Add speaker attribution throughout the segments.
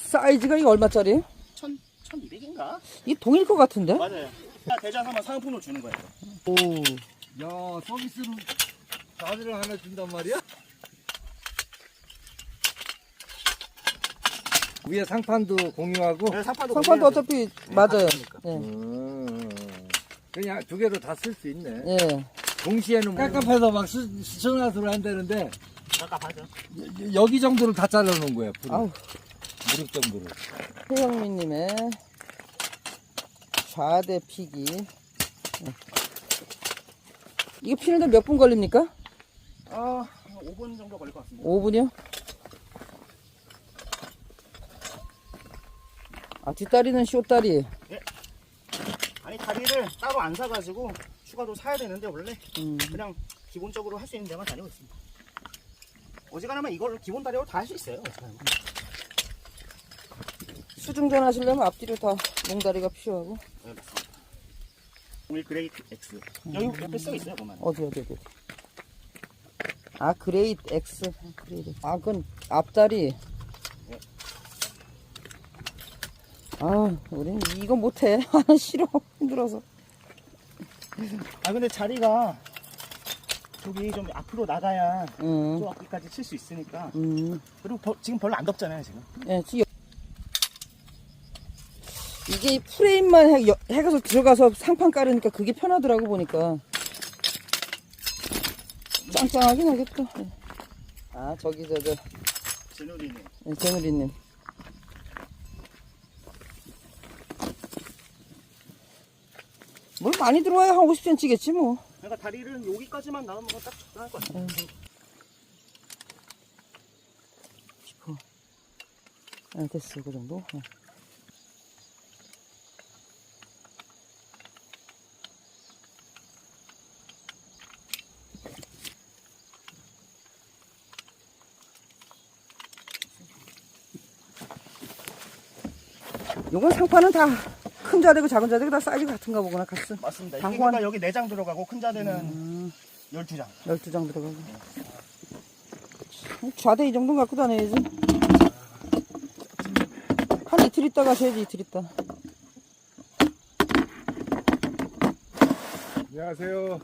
Speaker 1: 사이즈가 이거 얼마짜리?
Speaker 2: 1200인가?
Speaker 1: 이 동일 것 같은데?
Speaker 2: 맞아요. 대자 사면 상품으로 주는 거예요.
Speaker 1: 오.
Speaker 3: 야, 서비스로 바지를 하나 준단 말이야? 위에 상판도 공유하고.
Speaker 2: 네, 상판도
Speaker 1: 상판도 어차피 맞아요. 예.
Speaker 3: 그냥 두 개로 다 쓸 수 있네.
Speaker 1: 예.
Speaker 3: 동시에는 깝깝해서 막 수천화수로 한다는데
Speaker 2: 깝깝하죠.
Speaker 3: 여기 정도를 다 잘라놓은 거야.
Speaker 1: 아우.
Speaker 3: 무릎 정도를.
Speaker 1: 최영민님의 좌대 피기. 예. 이거 피는데 몇 분 걸립니까?
Speaker 2: 5분 정도 걸릴 것 같습니다.
Speaker 1: 5분이요? 아, 뒷다리는 쇼다리.
Speaker 2: 아니 다리를 따로 안 사가지고 추가로 사야 되는데 원래 그냥 기본적으로 할 수 있는 데만 다니고 있습니다. 어지간하면 이걸 기본 다리로 다 할 수 있어요. 어지간하면.
Speaker 1: 수중전 하시려면 앞뒤로 다 몽다리가 필요하고.
Speaker 2: 네, 맞습니다. 01 그레이트 X. 여기 옆에 써 있어요, 보면.
Speaker 1: 어디. 아, 그레이트 X. 그레이트. 아, 그건 앞다리. 아, 우린 이거 못해. 아, 싫어. 힘들어서.
Speaker 2: 아 근데 자리가 저기 좀 앞으로 나가야 저 앞까지 칠 수 있으니까. 그리고 지금 별로 안 덥잖아요, 지금.
Speaker 1: 예, 지금 이게 이 프레임만 해가서 들어가서 상판 깔으니까 그게 편하더라고 보니까. 짱짱하긴 하겠다. 예. 아, 저기
Speaker 2: 제누리는.
Speaker 1: 예, 재누리님. 물 많이 들어와야 한 50cm겠지 뭐.
Speaker 2: 그러니까 다리를 여기까지만 나오면 딱 적당할 것 같아요.
Speaker 1: 싶어. 네, 됐어, 그 정도. 네. 요건 상판은 다 큰 자대고 작은 자대고 다 사이즈 같은가 보구나, 같은.
Speaker 2: 맞습니다.
Speaker 1: 다
Speaker 2: 이게
Speaker 1: 호환.
Speaker 2: 그러니까 여기 4장 들어가고 큰 자대는 12장.
Speaker 1: 12장 들어가고. 좌대 이 정도는 갖고 다녀야지. 한 이틀 있다 가셔야지, 이틀 있다.
Speaker 4: 안녕하세요.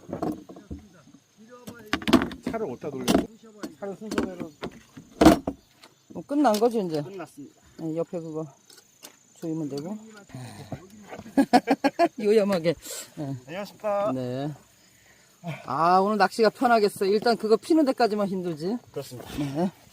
Speaker 4: 차를 어디다 돌려요? 차를 순서대로.
Speaker 1: 뭐 끝난 거지, 이제.
Speaker 2: 끝났습니다.
Speaker 1: 네, 옆에 그거 조이면 되고. 요염하게. 네.
Speaker 2: 안녕하십니까.
Speaker 1: 네. 아, 오늘 낚시가 편하겠어. 일단 그거 피는 데까지만 힘들지.
Speaker 2: 그렇습니다.
Speaker 1: 네.